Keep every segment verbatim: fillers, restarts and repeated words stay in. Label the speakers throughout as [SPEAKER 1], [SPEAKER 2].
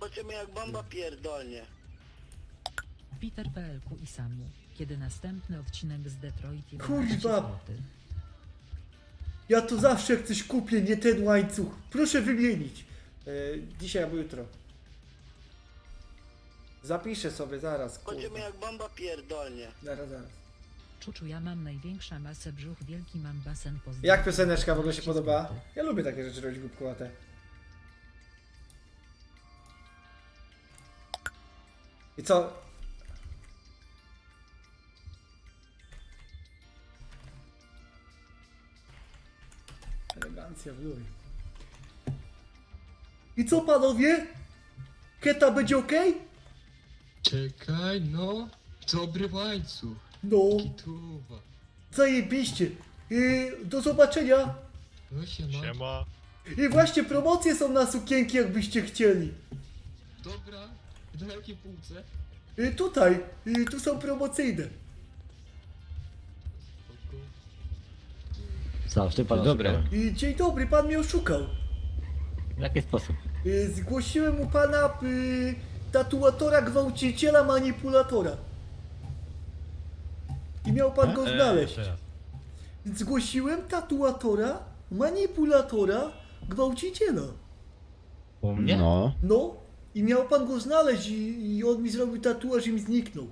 [SPEAKER 1] Zobaczymy jak bomba pierdolnie.
[SPEAKER 2] Peter P L Q i Samu. Kiedy następny odcinek z Detroit?
[SPEAKER 3] Kurwa! Ja to zawsze jak coś kupię, nie ten łańcuch. Proszę wymienić. E, dzisiaj albo jutro. Zapiszę sobie zaraz,
[SPEAKER 1] Zobaczymy
[SPEAKER 3] kurwa.
[SPEAKER 1] jak bomba pierdolnie.
[SPEAKER 3] Zaraz, zaraz.
[SPEAKER 2] Czuczu, ja mam największa masę brzuch, wielki mam basen pozdrowień.
[SPEAKER 3] Jak pioseneczka w ogóle się podoba? Ja lubię takie rzeczy robić głupkowate. I co? Elegancja w luj. I co panowie? Keta będzie ok?
[SPEAKER 4] Czekaj, no. Dobry łańcuch.
[SPEAKER 3] No,
[SPEAKER 4] Kituwa.
[SPEAKER 3] zajebiście. I do zobaczenia.
[SPEAKER 4] No się ma.
[SPEAKER 5] Siema.
[SPEAKER 3] I właśnie promocje są na sukienki, jakbyście chcieli.
[SPEAKER 4] Dobra. Na jakiej półce?
[SPEAKER 3] I tutaj, i tu są promocyjne.
[SPEAKER 4] Spoko.
[SPEAKER 6] Zawsze pan
[SPEAKER 7] Dobre.
[SPEAKER 6] oszukałem.
[SPEAKER 3] I dzień dobry, pan mnie oszukał.
[SPEAKER 6] W jaki sposób?
[SPEAKER 3] Y, Zgłosiłem u pana y, tatuatora, gwałciciela, manipulatora. I miał pan go znaleźć.
[SPEAKER 7] Jeszcze raz.
[SPEAKER 3] Zgłosiłem tatuatora, manipulatora, gwałciciela.
[SPEAKER 6] U mnie?
[SPEAKER 7] No.
[SPEAKER 3] No, i miał pan go znaleźć i, i on mi zrobił tatuaż i mi zniknął.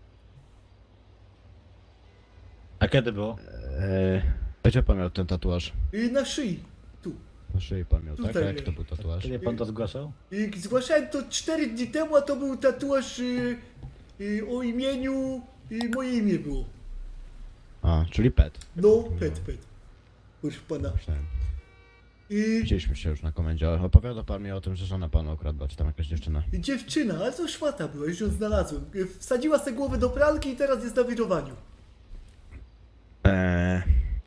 [SPEAKER 6] A kiedy było?
[SPEAKER 7] Eee, gdzie pan miał ten tatuaż?
[SPEAKER 3] Y, na szyi, tu.
[SPEAKER 7] Na szyi pan miał, tak?
[SPEAKER 3] Tutaj
[SPEAKER 7] A jak
[SPEAKER 3] jest.
[SPEAKER 7] to był tatuaż?
[SPEAKER 6] Kiedy pan to zgłaszał?
[SPEAKER 3] I zgłaszałem to cztery dni temu, a to był tatuaż y, y, o imieniu, y, moje imię było.
[SPEAKER 7] A, czyli pet.
[SPEAKER 3] No, pet, pet. Proszę pana.
[SPEAKER 7] Myślałem.
[SPEAKER 3] I
[SPEAKER 7] Widzieliśmy się już na komendzie. Opowiada pan mi o tym, że żona panu okradła, czy tam jakaś dziewczyna.
[SPEAKER 3] dziewczyna, ale to szmata była, już ją znalazłem. Y, Wsadziła sobie głowę do pralki i teraz jest na wirowaniu.
[SPEAKER 7] Eee...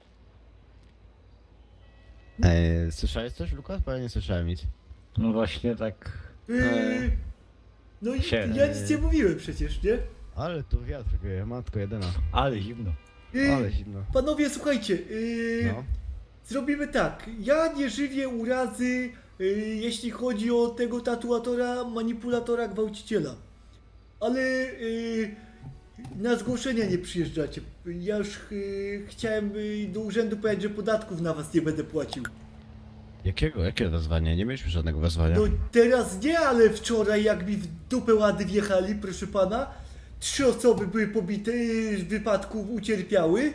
[SPEAKER 7] Eee, słyszałeś coś, Lukas? Bo ja nie słyszałem nic.
[SPEAKER 6] No właśnie tak...
[SPEAKER 3] Y, no i
[SPEAKER 6] się-
[SPEAKER 3] ja nic nie mówiłem przecież, nie?
[SPEAKER 7] Ale tu wiatr wieje, matko jedyna.
[SPEAKER 6] Ale zimno.
[SPEAKER 3] Y,
[SPEAKER 7] Ale zimno.
[SPEAKER 3] Panowie, słuchajcie, y,
[SPEAKER 7] No.
[SPEAKER 3] zrobimy tak. Ja nie żywię urazy, y, jeśli chodzi o tego tatuatora, manipulatora, gwałciciela. Ale y, na zgłoszenia nie przyjeżdżacie. Ja już y, chciałem y, do urzędu powiedzieć, że podatków na was nie będę płacił.
[SPEAKER 7] Jakiego? Jakie wezwanie? Nie mieliśmy żadnego wezwania.
[SPEAKER 3] No teraz nie, ale wczoraj jak mi w dupę łady wjechali, proszę pana, trzy osoby były pobite, y, w wypadku ucierpiały.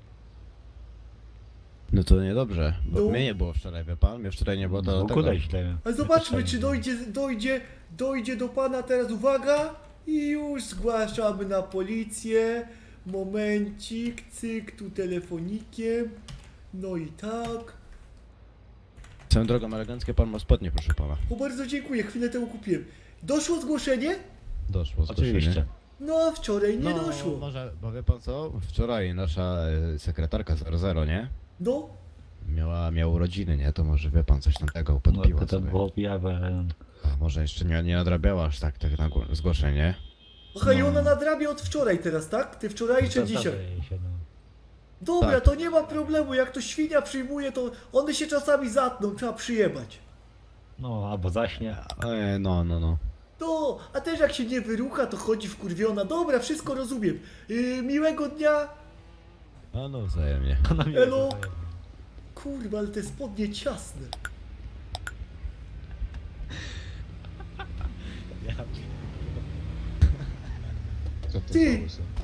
[SPEAKER 7] No to niedobrze, bo
[SPEAKER 3] No.
[SPEAKER 7] mnie nie było wczoraj, wie pan? Mnie wczoraj nie było, to
[SPEAKER 6] No
[SPEAKER 7] dlatego.
[SPEAKER 6] kudaj źle.
[SPEAKER 3] A zobaczmy, czy dojdzie, dojdzie, dojdzie do pana teraz, uwaga, i już zgłaszamy na policję. Momencik, cyk, tu telefonikiem. No i tak.
[SPEAKER 7] Swoją drogą eleganckie pan ma spodnie, proszę pana.
[SPEAKER 3] O, bardzo dziękuję, chwilę temu kupiłem. Doszło zgłoszenie?
[SPEAKER 7] Doszło zgłoszenie.
[SPEAKER 6] Oczywiście.
[SPEAKER 3] No a wczoraj nie
[SPEAKER 7] no,
[SPEAKER 3] doszło.
[SPEAKER 7] może, bo wie pan co? Wczoraj nasza e, sekretarka zero zero, nie?
[SPEAKER 3] No,
[SPEAKER 7] Miała, miała urodziny, nie? To może wie pan coś tam tego
[SPEAKER 6] No
[SPEAKER 7] podpiła
[SPEAKER 6] to, to
[SPEAKER 7] sobie.
[SPEAKER 6] było objawe.
[SPEAKER 7] A może jeszcze nie, nie nadrabiała aż tak, tak na gło- zgłoszenie.
[SPEAKER 3] aha, i
[SPEAKER 6] No.
[SPEAKER 3] ona nadrabia od wczoraj teraz, tak? Ty wczorajsze dzisiaj.
[SPEAKER 6] Się, no.
[SPEAKER 3] Dobra,
[SPEAKER 7] Tak.
[SPEAKER 3] to nie ma problemu, jak to świnia przyjmuje, to one się czasami zatną, trzeba przyjebać.
[SPEAKER 6] no, albo zaśnie.
[SPEAKER 7] E, no, no, no.
[SPEAKER 3] No, a też jak się nie wyrucha, to chodzi wkurwiona. Dobra, wszystko rozumiem. Yy, miłego dnia.
[SPEAKER 7] A no, wzajemnie.
[SPEAKER 6] Ona mi
[SPEAKER 3] Elo.
[SPEAKER 6] wzajemnie.
[SPEAKER 3] Kurwa, ale te spodnie ciasne. Ty!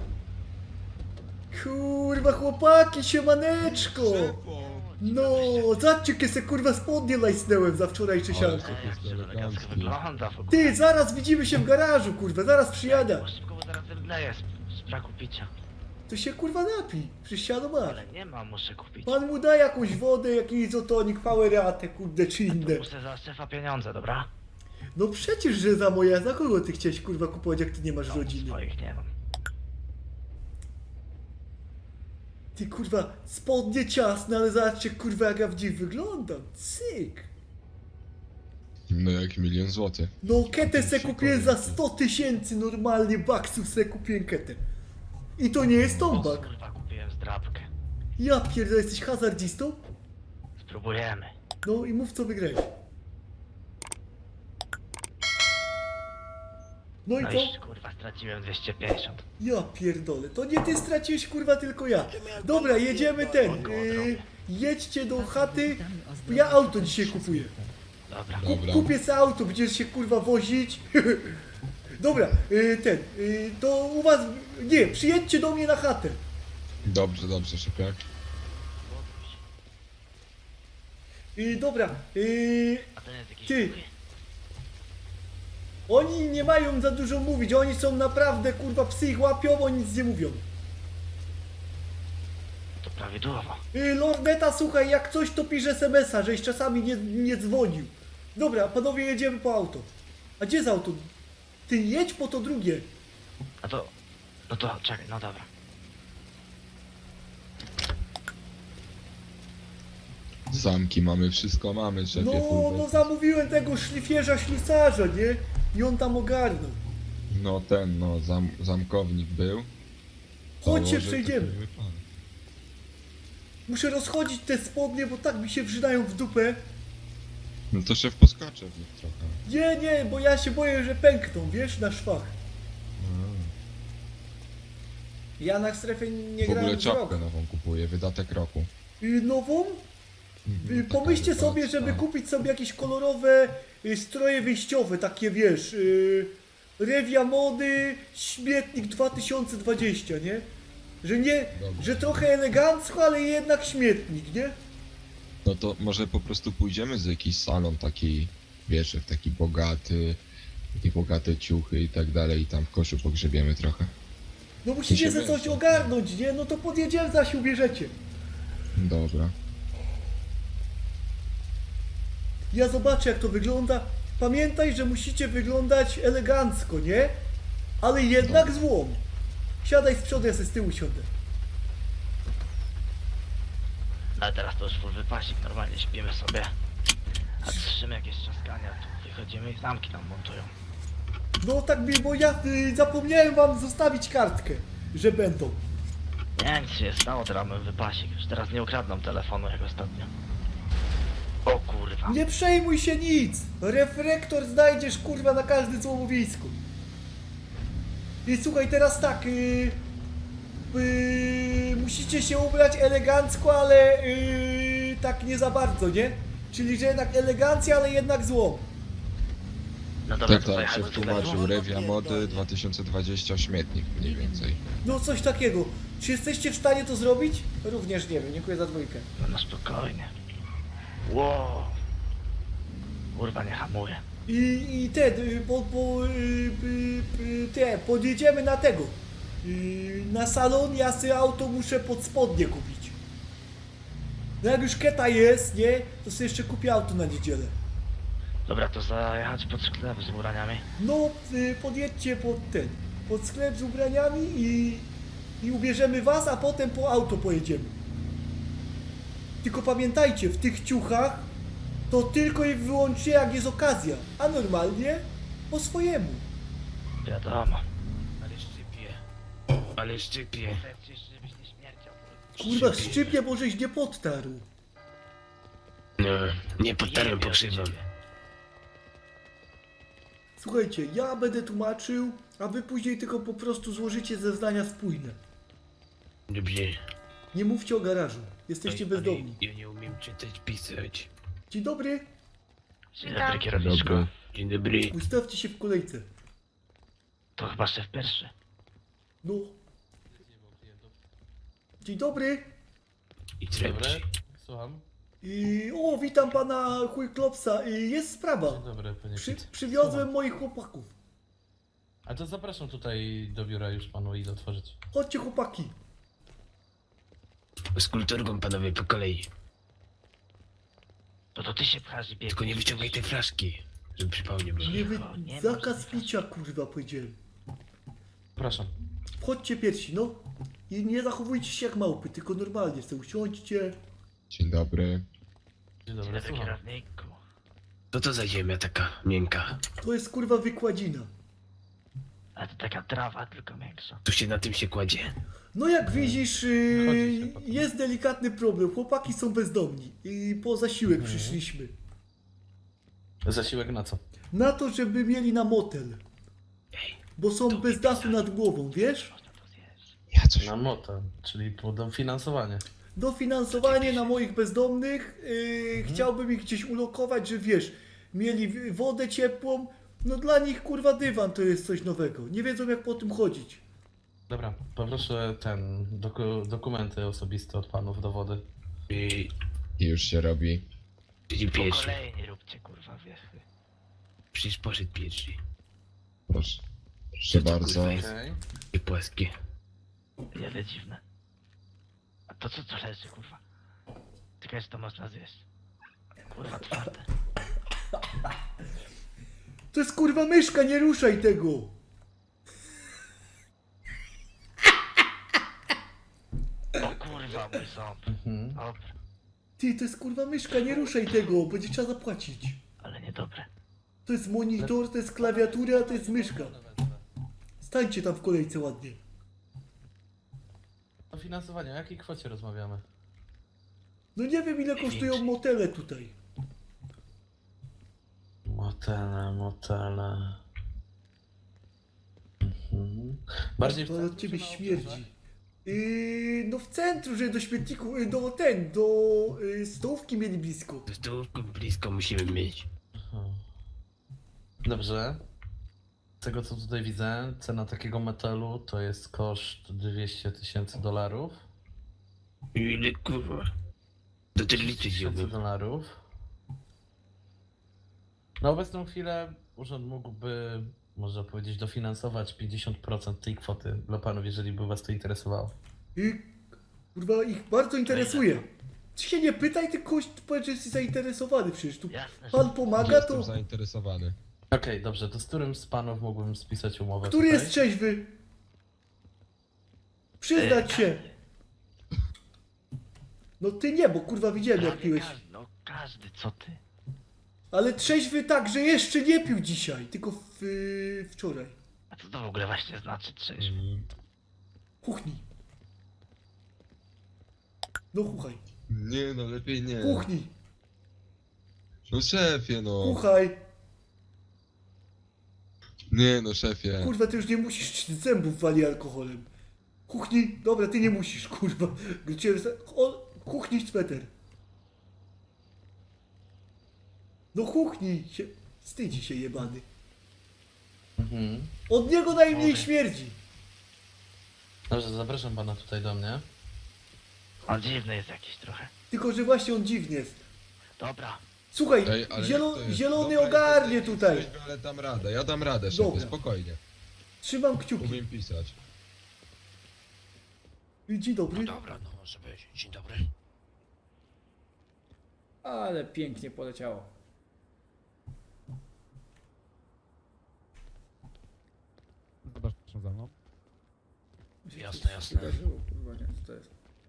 [SPEAKER 3] Kurwa, chłopaki, siemaneczko! No, zobaczcie, jakie se kurwa spodnie lajsnęłem za wczorajsze sianko.
[SPEAKER 1] Elegancko wygląda w ogóle.
[SPEAKER 3] Ty, zaraz widzimy się w garażu, kurwa, zaraz przyjadę.
[SPEAKER 1] Bo szybko, bo zaraz wydleję z, z braku picia.
[SPEAKER 3] To się kurwa napij, przecież siano masz.
[SPEAKER 1] Ale nie ma, muszę kupić.
[SPEAKER 3] Pan mu da jakąś wodę, jakiś izotonik, poweratę, kurde, czy inne.
[SPEAKER 1] Muszę za szefa pieniądze, dobra?
[SPEAKER 3] No przecież, że za moja, za kogo ty chciałeś kurwa kupować, jak ty nie masz
[SPEAKER 1] No,
[SPEAKER 3] rodziny?
[SPEAKER 1] swoich nie mam.
[SPEAKER 3] Ty kurwa, spodnie ciasne, ale zobaczcie kurwa jak ja w nich wyglądam. Cyk.
[SPEAKER 4] No jak milion złotych.
[SPEAKER 3] No ketę se kupiłem za sto tysięcy normalnie baksów se kupiłem ketę. I to nie jest
[SPEAKER 1] O,
[SPEAKER 3] tombak.
[SPEAKER 1] kurwa, kupiłem zdrabkę.
[SPEAKER 3] Ja pierdolę, jesteś hazardzistą?
[SPEAKER 1] Spróbujemy.
[SPEAKER 3] No i mów co wygrałeś. No i
[SPEAKER 1] No
[SPEAKER 3] co?
[SPEAKER 1] i kurwa, straciłem dwieście pięćdziesiąt.
[SPEAKER 3] Ja pierdolę, to nie ty straciłeś kurwa, tylko ja. Dobra, jedziemy ten. Yy, jedźcie do chaty.
[SPEAKER 2] Witamy o zdrowiu
[SPEAKER 3] Ja auto
[SPEAKER 2] za
[SPEAKER 3] dzisiaj
[SPEAKER 2] trzy
[SPEAKER 3] kupuję.
[SPEAKER 2] złote.
[SPEAKER 1] Dobra.
[SPEAKER 3] Kup,
[SPEAKER 4] Dobra.
[SPEAKER 3] kupię sobie auto, będziesz się kurwa wozić. Dobra, yy, ten. Yy, to u was. Nie, przyjedźcie do mnie na chatę.
[SPEAKER 4] Dobrze, dobrze, szypiak.
[SPEAKER 3] Yy, dobra, yy,
[SPEAKER 1] A ten jest jakiś
[SPEAKER 3] Ty.
[SPEAKER 1] duchy?
[SPEAKER 3] oni nie mają za dużo mówić, oni są naprawdę kurwa psy ich łapią, oni nic nie mówią.
[SPEAKER 1] To prawidłowo.
[SPEAKER 3] Yy, Lorneta, słuchaj, jak coś to pisz es em es a, żeś czasami nie, nie dzwonił. Dobra, panowie, jedziemy po auto. A gdzie z auto? Ty jedź po to drugie.
[SPEAKER 1] A to... No to czekaj, no dobra.
[SPEAKER 4] Zamki mamy, wszystko mamy, szefie.
[SPEAKER 3] No,
[SPEAKER 4] full
[SPEAKER 3] no
[SPEAKER 4] bez-
[SPEAKER 3] zamówiłem tego szlifierza ślusarza, nie? I on tam ogarnął.
[SPEAKER 4] No ten, no, zam, zamkownik był.
[SPEAKER 3] Chodźcie,
[SPEAKER 4] Założył,
[SPEAKER 3] przejdziemy.
[SPEAKER 4] taki wypadek.
[SPEAKER 3] Muszę rozchodzić te spodnie, bo tak mi się wrzynają w dupę.
[SPEAKER 4] No to szef poskoczę w nich trochę.
[SPEAKER 3] Nie, nie, bo ja się boję, że pękną, wiesz, na szwach. Ja na strefie nie
[SPEAKER 4] W ogóle
[SPEAKER 3] grałem z rok.
[SPEAKER 4] czapkę nową kupuję, wydatek roku.
[SPEAKER 3] Y, Nową?
[SPEAKER 4] Mhm,
[SPEAKER 3] Y,
[SPEAKER 4] taka
[SPEAKER 3] Pomyślcie sobie,
[SPEAKER 4] wypadka.
[SPEAKER 3] żeby kupić sobie jakieś kolorowe y, stroje wyjściowe, takie wiesz, y, Rewia Mody, Śmietnik dwa tysiące dwadzieścia, nie? Że nie,
[SPEAKER 4] Dobra.
[SPEAKER 3] że trochę elegancko, ale jednak śmietnik, nie?
[SPEAKER 4] No to może po prostu pójdziemy z jakiś salon taki, wiesz, w taki bogaty, takie bogate ciuchy i tak dalej i tam w koszu pogrzebiemy trochę.
[SPEAKER 3] No musicie
[SPEAKER 4] się
[SPEAKER 3] ze coś
[SPEAKER 4] będzie.
[SPEAKER 3] ogarnąć, nie? No to podjedziemy, zaś się ubierzecie.
[SPEAKER 4] Dobra.
[SPEAKER 3] Ja zobaczę, jak to wygląda. Pamiętaj, że musicie wyglądać elegancko, nie? Ale jednak
[SPEAKER 4] Dobra.
[SPEAKER 3] złom. Siadaj z przodu, ja sobie z tyłu siądę.
[SPEAKER 1] No ale teraz to już full wypasik, normalnie śpimy sobie. A słyszymy jakieś trzaskania, tu wychodzimy i zamki nam montują.
[SPEAKER 3] No tak mi, bo ja y, zapomniałem wam zostawić kartkę, że będą.
[SPEAKER 1] Nie, nic się nie stało, teraz mamy wypasik. Już teraz nie ukradną telefonu jak ostatnio. O kurwa.
[SPEAKER 3] Nie przejmuj się nic. Reflektor znajdziesz kurwa na każdym złomowisku. I słuchaj, teraz tak. Y, y, musicie się ubrać elegancko, ale y, tak nie za bardzo, nie? Czyli, że jednak elegancja, ale jednak złom.
[SPEAKER 1] No dobra,
[SPEAKER 4] Tak,
[SPEAKER 1] to
[SPEAKER 4] tak,
[SPEAKER 1] pojechać
[SPEAKER 4] szef
[SPEAKER 1] do
[SPEAKER 4] tłumaczył,
[SPEAKER 1] sklepu.
[SPEAKER 4] Rewia Mody dwa tysiące dwadzieścia śmietnik mniej więcej.
[SPEAKER 3] No coś takiego. Czy jesteście w stanie to zrobić? Również nie wiem, dziękuję za dwójkę.
[SPEAKER 1] No, no spokojnie. Wow. Kurwa, nie hamuje.
[SPEAKER 3] I, i te, y, po, po, y, y, y, te, podjedziemy na tego. Y, na salon, ja sobie auto muszę pod spodnie kupić. No jak już keta jest, nie, to sobie jeszcze kupię auto na niedzielę.
[SPEAKER 1] Dobra, to zajechać pod sklep z ubraniami.
[SPEAKER 3] No, y, podjedźcie pod ten, pod sklep z ubraniami i, i ubierzemy was, a potem po auto pojedziemy. Tylko pamiętajcie, w tych ciuchach to tylko i wyłącznie jak jest okazja, a normalnie po swojemu.
[SPEAKER 1] Wiadomo. Ale szczypie. Ale szczypie. Żebyś nie śmierdział.
[SPEAKER 3] Kurwa, szczypie, bo żeś nie podtarł.
[SPEAKER 5] No, nie potarłem
[SPEAKER 1] Jebie
[SPEAKER 5] pokrzywą.
[SPEAKER 1] ciebie.
[SPEAKER 3] Słuchajcie, ja będę tłumaczył, a wy później tylko po prostu złożycie zeznania spójne.
[SPEAKER 5] Dobrze.
[SPEAKER 3] Nie mówcie o garażu, jesteście
[SPEAKER 5] Oj,
[SPEAKER 3] bezdomni.
[SPEAKER 5] ale Ja nie umiem czytać, pisać.
[SPEAKER 3] Dzień dobry,
[SPEAKER 1] Dzień dobry, kierowniczko.
[SPEAKER 4] Dobry.
[SPEAKER 5] Dzień dobry.
[SPEAKER 3] ustawcie się w kolejce.
[SPEAKER 1] To chyba szef pierwszy.
[SPEAKER 3] No. Dzień dobry.
[SPEAKER 5] I trepci.
[SPEAKER 8] Słucham.
[SPEAKER 3] I, o, witam pana Chujklopsa. I, jest sprawa.
[SPEAKER 8] Dzień dobry, panie
[SPEAKER 3] Przy,
[SPEAKER 8] Pit.
[SPEAKER 3] przywiozłem
[SPEAKER 8] Słucham.
[SPEAKER 3] moich chłopaków.
[SPEAKER 8] A to zapraszam tutaj do biura już panu i otworzyć.
[SPEAKER 3] Chodźcie chłopaki.
[SPEAKER 5] Z kulturką panowie po kolei.
[SPEAKER 1] To to ty się pchasz i biegniesz.
[SPEAKER 5] Tylko nie wyciągaj tej flaszki, żeby przypał nie było.
[SPEAKER 3] Nie wy...
[SPEAKER 1] nie
[SPEAKER 3] Zakaz
[SPEAKER 1] można.
[SPEAKER 3] picia, kurwa, powiedziałem.
[SPEAKER 8] Proszę.
[SPEAKER 3] Wchodźcie pierwsi, no. I nie zachowujcie się jak małpy, tylko normalnie sobie usiądźcie.
[SPEAKER 4] Dzień dobry.
[SPEAKER 8] Dzień
[SPEAKER 1] Dzień
[SPEAKER 8] dobry,
[SPEAKER 1] dobry,
[SPEAKER 8] słucham.
[SPEAKER 1] kierowniku.
[SPEAKER 5] Co to za ziemia taka miękka?
[SPEAKER 3] To jest kurwa wykładzina.
[SPEAKER 1] A to taka trawa, tylko większa.
[SPEAKER 5] Tu się na tym się kładzie.
[SPEAKER 3] No jak widzisz,
[SPEAKER 8] Chodzi
[SPEAKER 3] yy,
[SPEAKER 8] się potem.
[SPEAKER 3] jest delikatny problem. Chłopaki są bezdomni i po zasiłek
[SPEAKER 8] Mhm.
[SPEAKER 3] przyszliśmy.
[SPEAKER 8] Zasiłek na co?
[SPEAKER 3] Na to, żeby mieli na motel.
[SPEAKER 5] Ej,
[SPEAKER 3] bo są bez dachu nad głową, wiesz?
[SPEAKER 1] Można to zjeść.
[SPEAKER 4] Ja coś...
[SPEAKER 8] Na motel, czyli dofinansowanie.
[SPEAKER 3] Dofinansowanie na moich bezdomnych, yy, chciałbym ich gdzieś ulokować, że wiesz, mieli w- wodę ciepłą, no dla nich kurwa dywan to jest coś nowego, nie wiedzą jak po tym chodzić.
[SPEAKER 8] Dobra, poproszę ten, doku, dokumenty osobiste od panów, dowody.
[SPEAKER 5] i,
[SPEAKER 4] I już się robi.
[SPEAKER 5] i
[SPEAKER 1] Po
[SPEAKER 5] pierwszy.
[SPEAKER 1] kolei nie róbcie kurwa wiechy.
[SPEAKER 5] Przecież poszedł pierwszy.
[SPEAKER 4] Proszę. Proszę
[SPEAKER 5] Co to,
[SPEAKER 4] bardzo.
[SPEAKER 5] kurwa, jest?
[SPEAKER 8] Okej.
[SPEAKER 5] I płaskie.
[SPEAKER 1] Wiele dziwne. A to co to leży kurwa? Tylko że to można zjeść. Kurwa twarde.
[SPEAKER 3] To jest kurwa myszka, nie ruszaj tego!
[SPEAKER 1] O kurwa mój ząb.
[SPEAKER 8] Mhm.
[SPEAKER 1] Dobra,
[SPEAKER 3] Ty, to jest kurwa myszka, nie ruszaj tego, będzie trzeba zapłacić.
[SPEAKER 1] ale niedobre.
[SPEAKER 3] To jest monitor, to jest klawiatura, to jest myszka. Stańcie tam w kolejce ładnie.
[SPEAKER 8] Dofinansowanie, o jakiej kwocie rozmawiamy?
[SPEAKER 3] No nie wiem ile kosztują motele tutaj.
[SPEAKER 8] Motele, motele. Mhm. Bardziej w
[SPEAKER 3] To od
[SPEAKER 8] centrum
[SPEAKER 3] ciebie
[SPEAKER 8] czy na
[SPEAKER 3] śmierdzi.
[SPEAKER 8] obrzeżach?
[SPEAKER 3] Yy, no w centrum, że do śmietniku, yy, do ten, do yy, stołówki mieli blisko.
[SPEAKER 5] Do stołówku blisko musimy mieć.
[SPEAKER 8] Mhm. Dobrze. Z tego co tutaj widzę, cena takiego metalu to jest koszt dwieście tysięcy dolarów.
[SPEAKER 5] Ile kurwa? Do tych liczy
[SPEAKER 8] tysięcy
[SPEAKER 5] wziąłbym.
[SPEAKER 8] dolarów. Na obecną chwilę urząd mógłby, można powiedzieć, dofinansować pięćdziesiąt procent tej kwoty dla panów, jeżeli by was to interesowało.
[SPEAKER 3] I kurwa ich bardzo interesuje. Ty się nie pytaj, tylko powiedz, że jesteś zainteresowany przecież. Tu
[SPEAKER 1] Jasne, że
[SPEAKER 3] pan pomaga,
[SPEAKER 4] Jestem
[SPEAKER 3] to...
[SPEAKER 4] zainteresowany.
[SPEAKER 8] Okej, dobrze, to z którym z panów mógłbym spisać umowę
[SPEAKER 3] Który
[SPEAKER 8] tutaj?
[SPEAKER 3] jest trzeźwy? Przyznać się. No ty nie, bo kurwa widziałem jak
[SPEAKER 1] prawie
[SPEAKER 3] piłeś.
[SPEAKER 1] każdy, no każdy, co ty?
[SPEAKER 3] Ale trzeźwy tak, że jeszcze nie pił dzisiaj, tylko w, yy, wczoraj.
[SPEAKER 1] A co to w ogóle właśnie znaczy trzeźwy?
[SPEAKER 3] Kuchni. No chuchaj.
[SPEAKER 4] Nie no, lepiej nie.
[SPEAKER 3] Kuchni.
[SPEAKER 4] No szefie no.
[SPEAKER 3] Kuchaj.
[SPEAKER 4] Nie no szefie.
[SPEAKER 3] Kurwa, ty już nie musisz zębów wali alkoholem. Kuchni. Dobra, ty nie musisz, kurwa. Gdzie... O, kuchni sweter. No kuchni się... Wstydzi się jebany.
[SPEAKER 8] Mhm.
[SPEAKER 3] Od niego najmniej
[SPEAKER 1] Mogę.
[SPEAKER 3] śmierdzi.
[SPEAKER 8] Dobrze, zapraszam pana tutaj do mnie.
[SPEAKER 1] On dziwny jest jakiś trochę.
[SPEAKER 3] Tylko, że właśnie on dziwny jest.
[SPEAKER 1] Dobra,
[SPEAKER 3] Słuchaj,
[SPEAKER 4] Ej, ale
[SPEAKER 3] zielo,
[SPEAKER 4] jak to jest?
[SPEAKER 3] zielony
[SPEAKER 4] Dobra,
[SPEAKER 3] ogarnie
[SPEAKER 4] jesteś-
[SPEAKER 3] tutaj.
[SPEAKER 4] jesteś, Ale dam radę, ja dam radę szefie,
[SPEAKER 3] Dobra.
[SPEAKER 4] spokojnie.
[SPEAKER 3] Trzymam kciuki.
[SPEAKER 4] Umiem pisać.
[SPEAKER 3] Dzień dobry.
[SPEAKER 5] Dobra, no może być. Dzień dobry.
[SPEAKER 9] Ale pięknie poleciało.
[SPEAKER 7] Zapraszam za mną.
[SPEAKER 5] Jasne, jasne.
[SPEAKER 9] Wydarzyło, kurwa, nie, co to jest?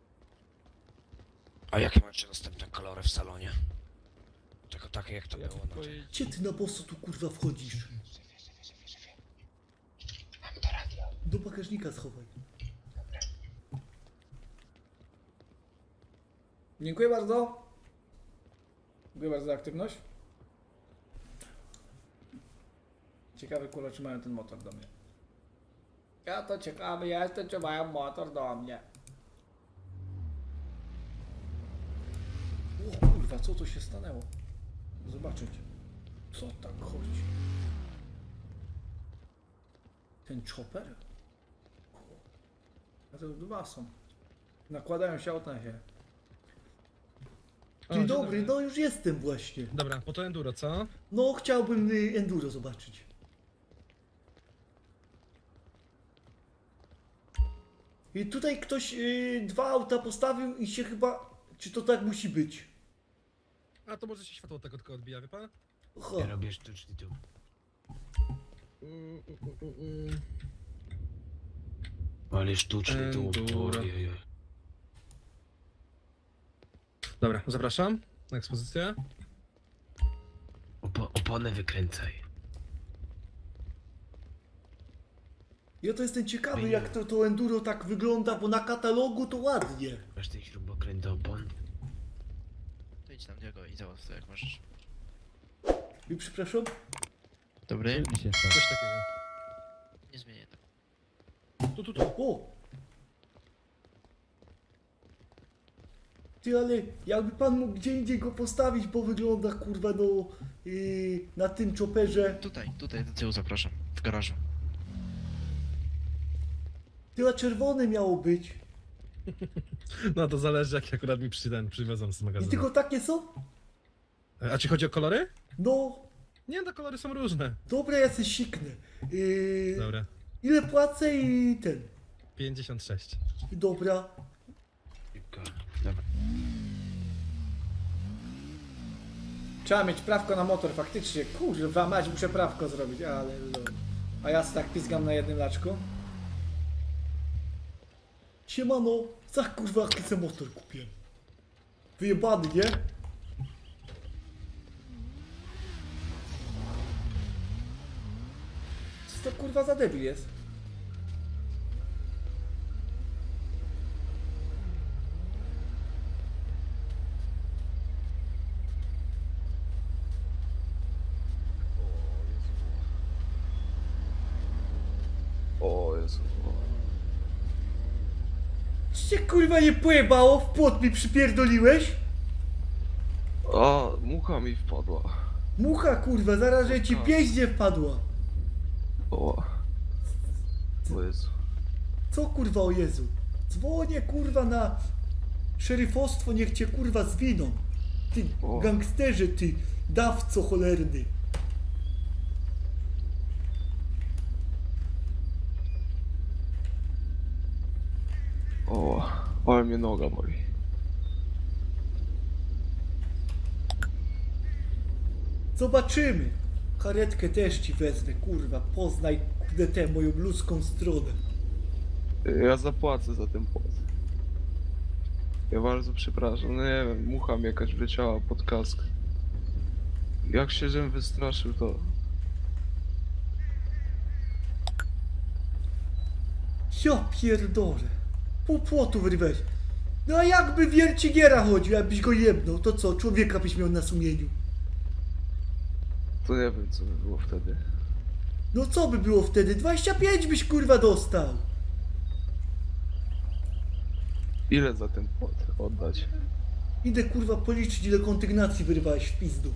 [SPEAKER 5] A jakie macie następne kolory w salonie? Tylko takie jak to było, no.
[SPEAKER 3] Gdzie ty na boso tu kurwa wchodzisz? Do bagażnika schowaj.
[SPEAKER 9] Dziękuję bardzo. Dziękuję bardzo za aktywność. Ciekawy kurwa, czy mają ten motor do mnie. Ja to ciekawy jestem, czy mają motor do mnie. O kurwa, co to się stanęło? Zobaczyć. Co tak chodzi? Ten chopper? A to dwa są. Nakładają się auta na siebie.
[SPEAKER 3] Dzień dobry, no już jestem właśnie.
[SPEAKER 10] Dobra, po to enduro, co?
[SPEAKER 3] No chciałbym y, enduro zobaczyć. I tutaj ktoś y, dwa auta postawił i się chyba... Czy to tak musi być?
[SPEAKER 10] A to może się światło tego tylko odbija, wie pan?
[SPEAKER 3] Aha.
[SPEAKER 5] Ja robię sztuczny tu.
[SPEAKER 10] Mm, mm, mm, mm.
[SPEAKER 5] Ale sztuczny tu.
[SPEAKER 10] Enduro.
[SPEAKER 5] Oj, oj, oj.
[SPEAKER 10] Dobra, zapraszam na ekspozycję.
[SPEAKER 5] Opo oponę wykręcaj.
[SPEAKER 3] Ja to jestem ciekawy jak to, to enduro tak wygląda, bo na katalogu to ładnie.
[SPEAKER 5] Masz ten śrubokręt do opon?
[SPEAKER 11] To idź na niego i załatw to jak możesz.
[SPEAKER 3] I przepraszam?
[SPEAKER 11] Dobry?
[SPEAKER 10] Coś takiego. Tu, tu, tu.
[SPEAKER 3] O! Ty, ale jakby pan mógł gdzie indziej go postawić, bo wygląda kurwa no yy, na tym chopperze.
[SPEAKER 11] Tutaj, tutaj do tyłu zapraszam. W garażu.
[SPEAKER 3] Ty, a czerwone miało być.
[SPEAKER 10] No to zależy, jak akurat mi przy, ten, przywiozą z
[SPEAKER 3] I
[SPEAKER 10] magazynu.
[SPEAKER 3] tylko takie są?
[SPEAKER 10] A ci chodzi o kolory?
[SPEAKER 3] No,
[SPEAKER 10] Nie, no kolory są różne.
[SPEAKER 3] dobra, ja se siknę. Yy,
[SPEAKER 10] Dobra.
[SPEAKER 3] ile płacę i ten.
[SPEAKER 10] pięćdziesiąt sześć.
[SPEAKER 3] Dobra.
[SPEAKER 11] Dobra.
[SPEAKER 9] Trzeba mieć prawko na motor, faktycznie. Kurwa, mać, muszę prawko zrobić, ale lol. A ja se tak pizgam na jednym laczku.
[SPEAKER 3] Siemano, za kurwa jaki se motor kupiłem. Wyjebany, nie?
[SPEAKER 9] Co to kurwa za debil jest?
[SPEAKER 4] O Jezu.
[SPEAKER 3] Ci się kurwa nie pojebało, w płot mi przypierdoliłeś?
[SPEAKER 4] A, mucha mi wpadła.
[SPEAKER 3] Mucha kurwa, zaraz że ci pieździe wpadła.
[SPEAKER 4] O. O Jezu.
[SPEAKER 3] Co kurwa o Jezu? Dzwonię kurwa na szeryfostwo, niech cię kurwa zwiną. Ty
[SPEAKER 4] O.
[SPEAKER 3] gangsterze, ty dawco cholerny.
[SPEAKER 4] O, ale mnie noga boli.
[SPEAKER 3] Zobaczymy. Karetkę też ci wezmę, kurwa. Poznaj kurde tę moją ludzką stronę.
[SPEAKER 4] Ja zapłacę za ten płat. Ja bardzo przepraszam, no nie wiem, mucha mi jakaś wleciała pod kask. Jak się żem wystraszył, to...
[SPEAKER 3] Ja pierdolę. Pół płotu wyrwałeś. No a jakby wiercigiera chodził, jakbyś go jebnął, to co, człowieka byś miał na sumieniu.
[SPEAKER 4] To nie wiem, co by było wtedy.
[SPEAKER 3] No co by było wtedy? dwadzieścia pięć byś kurwa dostał.
[SPEAKER 4] Ile za ten płat oddać?
[SPEAKER 3] Idę kurwa policzyć, ile kondygnacji wyrwałeś w pizdu.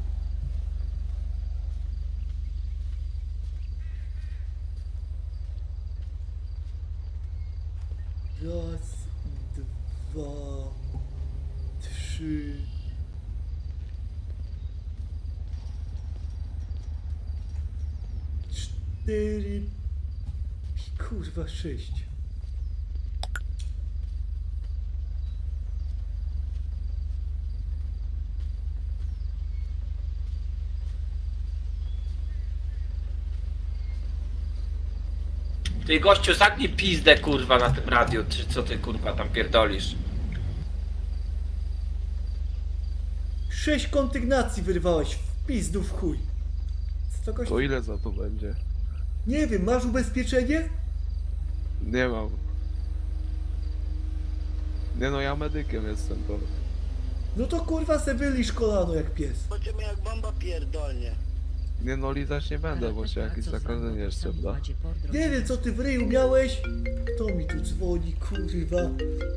[SPEAKER 3] Raz, dwa, trzy. Cztery. Kurwa, sześć.
[SPEAKER 12] Ty gościu, zaknij pizdę kurwa na tym radiu, czy co ty kurwa tam pierdolisz?
[SPEAKER 3] Sześć kondygnacji wyrwałeś w pizdu w chuj. Co to
[SPEAKER 4] To ile za to będzie?
[SPEAKER 3] Nie wiem, masz ubezpieczenie?
[SPEAKER 4] Nie mam. Nie no, ja medykiem jestem, to...
[SPEAKER 3] No to kurwa se wylisz kolano jak pies.
[SPEAKER 12] Będziemy jak bomba pierdolnie.
[SPEAKER 4] Nie no, lizać nie będę, bo się jakieś zakażenie jeszcze da.
[SPEAKER 3] Nie wiem co ty w ryju miałeś. Kto mi tu dzwoni, kurwa?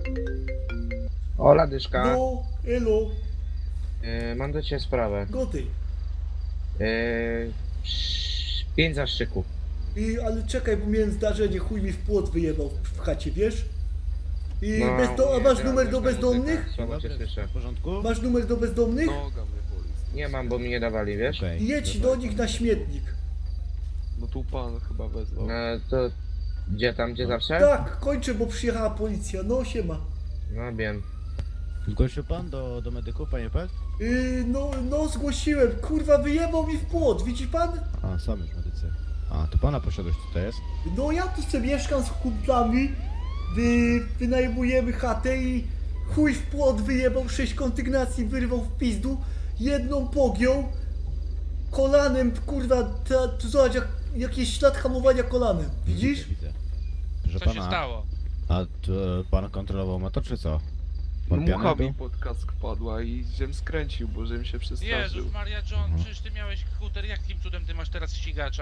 [SPEAKER 12] Ola dyszka,
[SPEAKER 3] No, elo,
[SPEAKER 12] yy, mam do ciebie sprawę.
[SPEAKER 3] goty.
[SPEAKER 12] Yy, pięć zaszczyków.
[SPEAKER 3] I, ale czekaj, bo miałem zdarzenie, chuj mi w płot wyjebał w, w chacie, wiesz? I
[SPEAKER 12] No,
[SPEAKER 3] bezdo- a
[SPEAKER 12] nie,
[SPEAKER 3] masz
[SPEAKER 12] ja
[SPEAKER 3] numer do
[SPEAKER 12] muzyka,
[SPEAKER 3] bezdomnych?
[SPEAKER 12] Słabo cię słyszę.
[SPEAKER 7] W porządku?
[SPEAKER 3] Masz numer do bezdomnych?
[SPEAKER 4] Noga mnie boli.
[SPEAKER 12] Nie mam, bo mi nie dawali, wiesz?
[SPEAKER 7] Okej.
[SPEAKER 3] I jedź do nich na śmietnik.
[SPEAKER 4] No tu pan chyba wezwał.
[SPEAKER 12] No to gdzie tam, gdzie zawsze?
[SPEAKER 3] Tak, kończę, bo przyjechała policja. No siema.
[SPEAKER 12] No wiem.
[SPEAKER 7] Zgłosił pan do, do medyków, panie Pet?
[SPEAKER 3] Yy, no, no zgłosiłem. Kurwa, wyjebał mi w płot, widzi pan?
[SPEAKER 7] A, sam już medycy. A, to pana posiadłość tutaj jest?
[SPEAKER 3] No ja tu sobie mieszkam z kumplami, wy, wynajmujemy chatę i chuj w płot wyjebał, sześć kondygnacji wyrwał w pizdu, jedną pogiął, kolanem, kurwa, ta, tu zobacz, jak, jakiś ślad hamowania kolanem, widzisz?
[SPEAKER 7] Widzę. Że Co pana... się stało? A to pan kontrolował motor, czy co?
[SPEAKER 4] No
[SPEAKER 7] Pan piany
[SPEAKER 4] mucha
[SPEAKER 7] był?
[SPEAKER 4] mi pod kask padła i żem skręcił, bo żem się przestraszył.
[SPEAKER 13] Jezus Maria John,
[SPEAKER 7] Mhm.
[SPEAKER 13] przecież ty miałeś skuter, jakim cudem ty masz teraz ścigacza?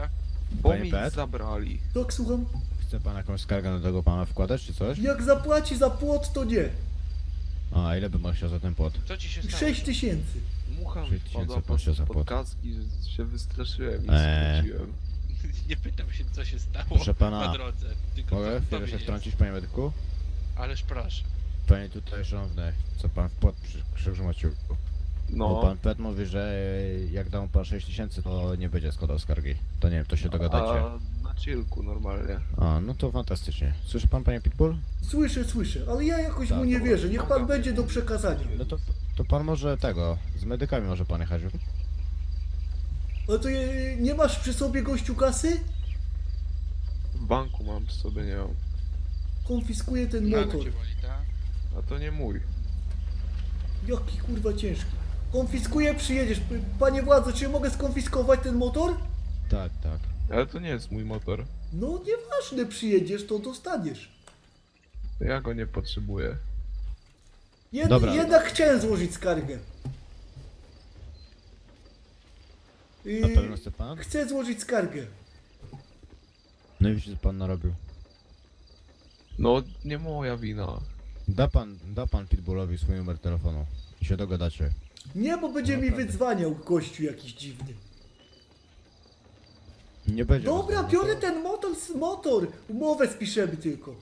[SPEAKER 4] Bo
[SPEAKER 7] Panie
[SPEAKER 4] mi
[SPEAKER 7] Pet?
[SPEAKER 4] zabrali.
[SPEAKER 3] Tak, słucham?
[SPEAKER 7] Chce pan jakąś skargę na tego pana wkładać, czy coś?
[SPEAKER 3] Jak zapłaci za płot, to nie.
[SPEAKER 7] A, ile by pan chciał za ten płot?
[SPEAKER 11] Co ci się stało?
[SPEAKER 3] sześć tysięcy.
[SPEAKER 4] Mucha mi
[SPEAKER 7] sześć tysięcy
[SPEAKER 4] wpadła
[SPEAKER 7] pan się
[SPEAKER 4] pod, pod
[SPEAKER 7] zapłat.
[SPEAKER 4] kaski, że się wystraszyłem i
[SPEAKER 7] Eee.
[SPEAKER 4] skróciłem.
[SPEAKER 11] Nie pytam się, co się stało
[SPEAKER 7] Proszę pana,
[SPEAKER 11] na drodze. Tylko
[SPEAKER 7] Mogę
[SPEAKER 11] co
[SPEAKER 7] chwilę
[SPEAKER 11] tobie
[SPEAKER 7] się
[SPEAKER 11] jest.
[SPEAKER 7] wtrącić, panie medyku?
[SPEAKER 11] Ależ proszę.
[SPEAKER 7] Panie tutaj szanowny, co pan w płot przy Krzyżu Maciuku? Bo
[SPEAKER 4] No,
[SPEAKER 7] pan Pet mówi, że jak dam pan sześć tysięcy, to nie będzie składał skargi. To nie wiem, to się dogadacie.
[SPEAKER 4] a na chillku normalnie.
[SPEAKER 7] A, no to fantastycznie. Słyszy pan, panie Pitbull?
[SPEAKER 3] Słyszę, słyszę, ale ja jakoś
[SPEAKER 7] Tak,
[SPEAKER 3] mu nie
[SPEAKER 7] to
[SPEAKER 3] wierzę. Niech pan będzie do przekazania.
[SPEAKER 7] No to, to pan może tego, z medykami może pan jechać.
[SPEAKER 3] Ale to je, nie masz przy sobie gościu kasy?
[SPEAKER 4] W banku mam przy sobie, nie mam.
[SPEAKER 3] Konfiskuję ten
[SPEAKER 11] Nogę
[SPEAKER 3] motor.
[SPEAKER 11] cię boli, tak?
[SPEAKER 4] A to nie mój.
[SPEAKER 3] Jaki kurwa ciężki. Konfiskuję, przyjedziesz. P- Panie władzo, czy mogę skonfiskować ten motor?
[SPEAKER 7] Tak, tak.
[SPEAKER 4] Ale to nie jest mój motor.
[SPEAKER 3] No nieważne, przyjedziesz, to dostaniesz.
[SPEAKER 4] Ja go nie potrzebuję.
[SPEAKER 3] Jed
[SPEAKER 7] Dobra.
[SPEAKER 3] Jednak chciałem złożyć skargę.
[SPEAKER 7] Na
[SPEAKER 3] Yy,
[SPEAKER 7] pewno chce pan?
[SPEAKER 3] chcę złożyć skargę.
[SPEAKER 7] No i widzicie, co pan narobił.
[SPEAKER 4] No, nie moja wina.
[SPEAKER 7] Da pan, da pan Pitbullowi swój numer telefonu i się dogadacie.
[SPEAKER 3] Nie, bo będzie mi
[SPEAKER 7] Naprawdę.
[SPEAKER 3] wydzwaniał gościu jakiś dziwny.
[SPEAKER 7] Nie będzie.
[SPEAKER 3] Dobra,
[SPEAKER 7] rozmowy.
[SPEAKER 3] biorę ten motor, motor. Umowę spiszemy tylko.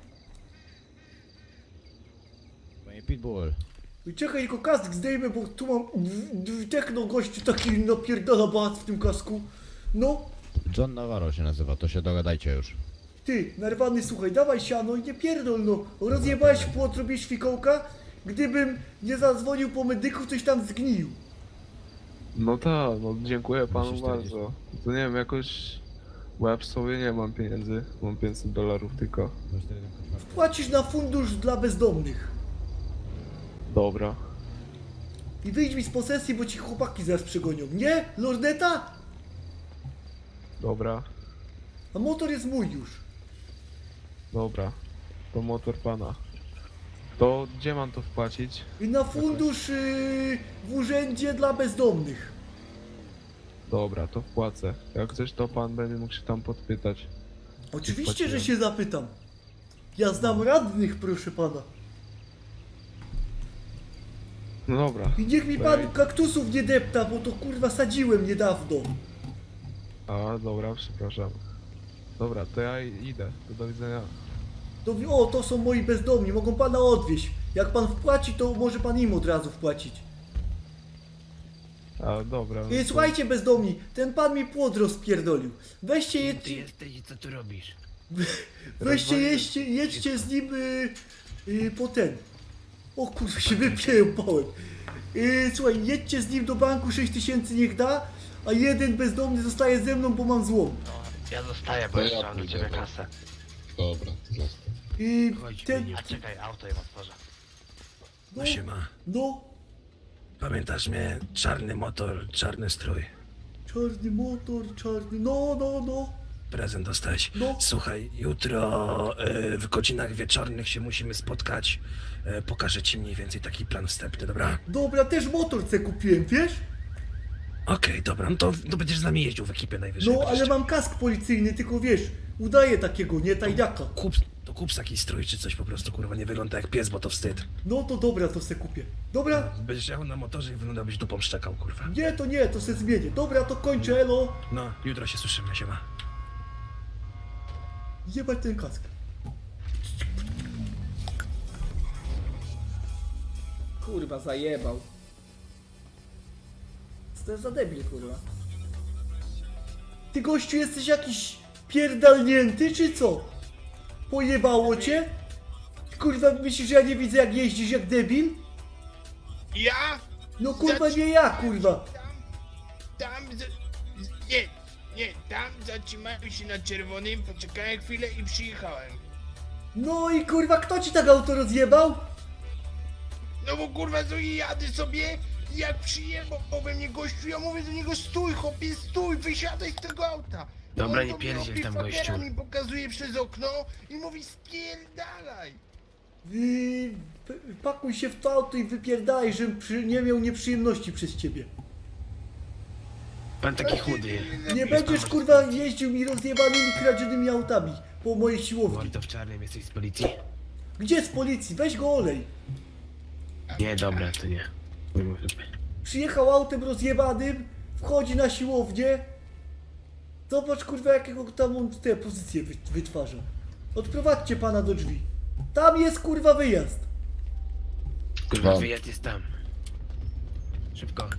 [SPEAKER 7] Panie Pitbull,
[SPEAKER 3] Czekaj, tylko kask zdejmę, bo tu mam d- d- techno gościu taki napierdala bac w tym kasku. No,
[SPEAKER 7] John Navarro się nazywa, to się dogadajcie już.
[SPEAKER 3] ty, narwany, słuchaj, dawaj siano i nie pierdol, no. Rozjebałeś płot, robisz fikołka? Gdybym nie zadzwonił po medyków, coś tam zgnił.
[SPEAKER 4] No tak, no dziękuję panu
[SPEAKER 7] Musisz czterdzieści.
[SPEAKER 4] bardzo. To nie wiem, jakoś... Bo ja przy sobie nie mam pieniędzy. Mam pięćset dolarów tylko.
[SPEAKER 3] Płacisz na fundusz dla bezdomnych.
[SPEAKER 4] Dobra.
[SPEAKER 3] I wyjdź mi z posesji, bo ci chłopaki zaraz przegonią. Nie? Lorneta?
[SPEAKER 4] Dobra.
[SPEAKER 3] A motor jest mój już.
[SPEAKER 4] Dobra. To motor pana. To gdzie mam to wpłacić?
[SPEAKER 3] I na fundusz yy, w urzędzie dla bezdomnych.
[SPEAKER 4] Dobra, to wpłacę. Jak coś, to pan będzie mógł się tam podpytać.
[SPEAKER 3] Oczywiście, że
[SPEAKER 4] Wpłaciłem.
[SPEAKER 3] się zapytam. Ja znam radnych, proszę pana.
[SPEAKER 4] No dobra.
[SPEAKER 3] I niech mi pan kaktusów nie depta, bo to kurwa sadziłem niedawno.
[SPEAKER 4] A, dobra, przepraszam. Dobra, to ja idę. To do widzenia.
[SPEAKER 3] To, wi- o, to są moi bezdomni, mogą pana odwieźć. Jak pan wpłaci, to może pan im od razu wpłacić.
[SPEAKER 4] A, dobra. no
[SPEAKER 3] I
[SPEAKER 4] to-
[SPEAKER 3] słuchajcie bezdomni, ten pan mi płot rozpierdolił. Weźcie,
[SPEAKER 5] Ty
[SPEAKER 3] jedźcie,
[SPEAKER 5] jesteś i co tu robisz?
[SPEAKER 3] weźcie, jedźcie, jedźcie z nim y, y, po ten. O kurwa, się wypiępałem. Y, słuchaj, jedźcie z nim do banku, sześć tysięcy niech da, a jeden bezdomny zostaje ze mną, bo mam złom.
[SPEAKER 1] No, ja zostaję, bo jeszcze mam do ciebie kasę.
[SPEAKER 13] Dobra, to zostaw.
[SPEAKER 3] I
[SPEAKER 5] Chodź,
[SPEAKER 3] ten,
[SPEAKER 5] Beniu.
[SPEAKER 1] A czekaj, auto im otworzę.
[SPEAKER 3] no,
[SPEAKER 5] Siema.
[SPEAKER 3] no,
[SPEAKER 5] Pamiętasz mnie? Czarny motor, czarny strój.
[SPEAKER 3] czarny motor, czarny, no, no, no.
[SPEAKER 5] Prezent dostałeś.
[SPEAKER 3] No.
[SPEAKER 5] Słuchaj, jutro e, w godzinach wieczornych się musimy spotkać. E, pokażę ci mniej więcej taki plan wstępny, dobra?
[SPEAKER 3] Dobra, też motor se kupiłem, wiesz?
[SPEAKER 5] Okej, dobra, no to, to będziesz z nami jeździł w ekipie najwyżej.
[SPEAKER 3] No, ale
[SPEAKER 5] będziesz-
[SPEAKER 3] mam kask policyjny, tylko wiesz, udaję takiego, nie tajniaka.
[SPEAKER 5] Kup, to kup taki strój czy coś po prostu, kurwa, nie wygląda jak pies, bo to wstyd.
[SPEAKER 3] No to dobra, to se kupię. Dobra?
[SPEAKER 5] Będziesz jechał na motorze i wyglądałbyś dupą szczekał, kurwa.
[SPEAKER 3] Nie, to nie, to se zmienię. Dobra, to kończę, elo.
[SPEAKER 5] No, jutro się słyszymy, siema.
[SPEAKER 3] Jebać ten kask. Kurwa, zajebał. Co to jest za debil, kurwa? Ty gościu jesteś jakiś pierdalnięty, czy co? Pojebało cię? Kurwa, myślisz, że ja nie widzę jak jeździsz jak debil?
[SPEAKER 13] Ja?
[SPEAKER 3] No kurwa, nie ja, kurwa.
[SPEAKER 13] Tam za... Nie, nie, tam zatrzymałem się na czerwonym, poczekałem chwilę i przyjechałem.
[SPEAKER 3] No i kurwa, kto ci tak auto rozjebał?
[SPEAKER 13] No bo kurwa, co jadę sobie, jak przyjechał we mnie gościu, ja mówię do niego stój, chłopie, stój, wysiadaj z tego auta.
[SPEAKER 5] Dobra,
[SPEAKER 13] On
[SPEAKER 5] nie
[SPEAKER 13] do mnie
[SPEAKER 5] pierdziel
[SPEAKER 13] robi
[SPEAKER 5] tam,
[SPEAKER 13] fakera,
[SPEAKER 5] gościu.
[SPEAKER 13] mi pokazuje przez okno i mówi spierdalaj.
[SPEAKER 3] Yy, p- pakuj się w to auto i wypierdaj, żebym przy, nie miał nieprzyjemności przez ciebie.
[SPEAKER 10] Pan taki chudy.
[SPEAKER 3] Nie będziesz kurwa jeździł mi rozjebanymi, kradzionymi autami po mojej siłowni.
[SPEAKER 10] To w czarnym jesteś z policji?
[SPEAKER 3] Gdzie z policji? Weź go olej.
[SPEAKER 10] Nie, dobra, to nie.
[SPEAKER 3] Przyjechał autem rozjebanym, wchodzi na siłownię. Zobacz kurwa jakiego tam on te pozycje wy, wytwarza. Odprowadźcie pana do drzwi. Tam jest kurwa wyjazd.
[SPEAKER 10] Kurwa, wyjazd jest tam. Szybko.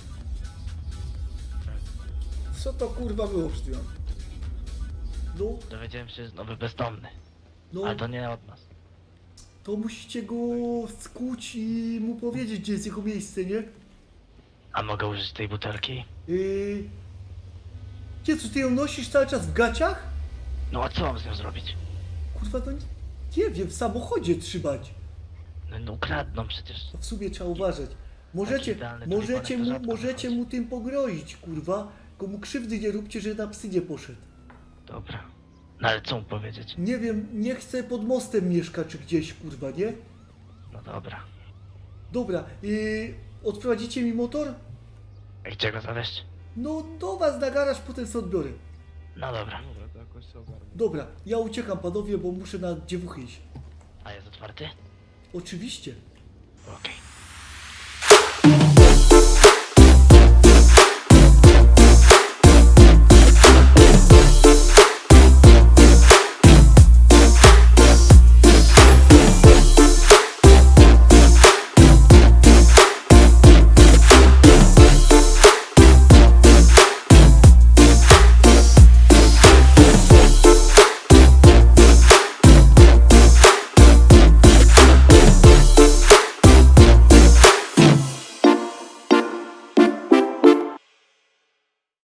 [SPEAKER 9] Co to kurwa było przed chwilą?
[SPEAKER 3] No,
[SPEAKER 1] Dowiedziałem się, że jest nowy bezdomny.
[SPEAKER 3] no,
[SPEAKER 1] Ale to nie od nas.
[SPEAKER 3] to musicie go skuć i mu powiedzieć gdzie jest jego miejsce, nie?
[SPEAKER 1] A mogę użyć tej butelki?
[SPEAKER 3] Yy... Gdzie, co ty ją nosisz cały czas w gaciach?
[SPEAKER 1] No a co mam z nią zrobić?
[SPEAKER 3] Kurwa, to nie, nie wiem, w samochodzie trzymać.
[SPEAKER 1] No, no ukradną przecież.
[SPEAKER 3] To w sumie trzeba uważać. Możecie,
[SPEAKER 1] idealny
[SPEAKER 3] możecie
[SPEAKER 1] tulipanek to
[SPEAKER 3] mu,
[SPEAKER 1] rzadko
[SPEAKER 3] możecie
[SPEAKER 1] wychodzi.
[SPEAKER 3] mu tym pogrozić, kurwa. Tylko mu krzywdy nie róbcie, że na psy nie poszedł.
[SPEAKER 1] Dobra. No ale co mu powiedzieć?
[SPEAKER 3] Nie wiem, nie chcę pod mostem mieszka czy gdzieś, kurwa, nie?
[SPEAKER 1] No dobra.
[SPEAKER 3] Dobra, yy, odprowadzicie mi motor?
[SPEAKER 1] A gdzie go zawieźć?
[SPEAKER 3] No do was na garaż, potem sobie odbiorę.
[SPEAKER 1] No dobra.
[SPEAKER 4] Dobra, to jakoś się ogarnę.
[SPEAKER 3] Dobra, ja uciekam panowie, bo muszę na dziewuchy iść.
[SPEAKER 1] A jest otwarty?
[SPEAKER 3] Oczywiście.
[SPEAKER 1] Okej.